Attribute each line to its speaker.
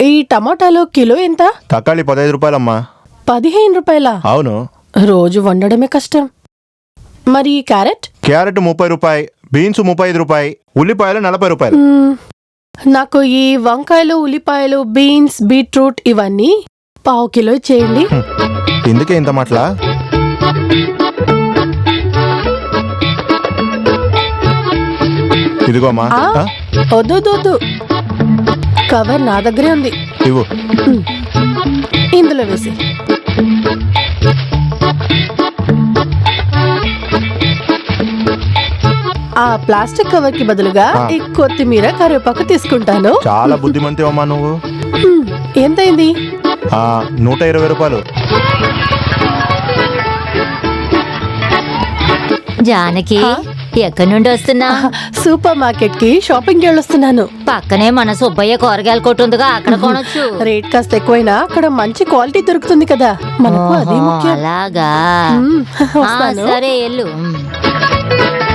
Speaker 1: ఈ టమాటాలో కిలో ఎంత?
Speaker 2: తక్కాళి 15 రూపాయలమ్మా.
Speaker 1: 15 రూపాయలా?
Speaker 2: అవును.
Speaker 1: రోజు వండడమే కష్టం. మరి క్యారెట్?
Speaker 2: క్యారెట్ 30 రూపాయి, బీన్స్ 35 రూపాయి, ఉల్లిపాయలు 40 రూపాయలు.
Speaker 1: నాకు ఈ వంకాయలు, ఉల్లిపాయలు, బీన్స్, బీట్రూట్ ఇవన్నీ 1/2 కిలో చేయండి.
Speaker 2: ఎందుకే ఇంత మాటలా? ఇదిగోమ్మా.
Speaker 1: వద్దు, కవర్ నా దగ్గరే ఉంది.
Speaker 2: ఇవ్వు.
Speaker 1: ఇందులో వేసి. ఆ ప్లాస్టిక్ కవర్ కి బదులుగా ఈ కొత్తిమీర, కరివేపాకు తీసుకుంటాను.
Speaker 2: చాలా బుద్ధిమంతివమ్మా నువ్వు.
Speaker 1: ఎంతైంది?
Speaker 2: 120 రూపాయలు.
Speaker 3: జానకి, ఎక్కడి నుండి వస్తున్నా?
Speaker 1: సూపర్ మార్కెట్ కి షాపింగ్ వెళ్ళొస్తున్నాను.
Speaker 3: పక్కనే మన సుబ్బయ్య కూరగాయల కొట్టు ఉందిగా, అక్కడ కొనొచ్చు.
Speaker 1: రేట్ కాస్త ఎక్కువైనా అక్కడ మంచి క్వాలిటీ దొరుకుతుంది కదా, మనకు అదే ముఖ్యం.
Speaker 3: అలాగా, సరే ఎల్లు.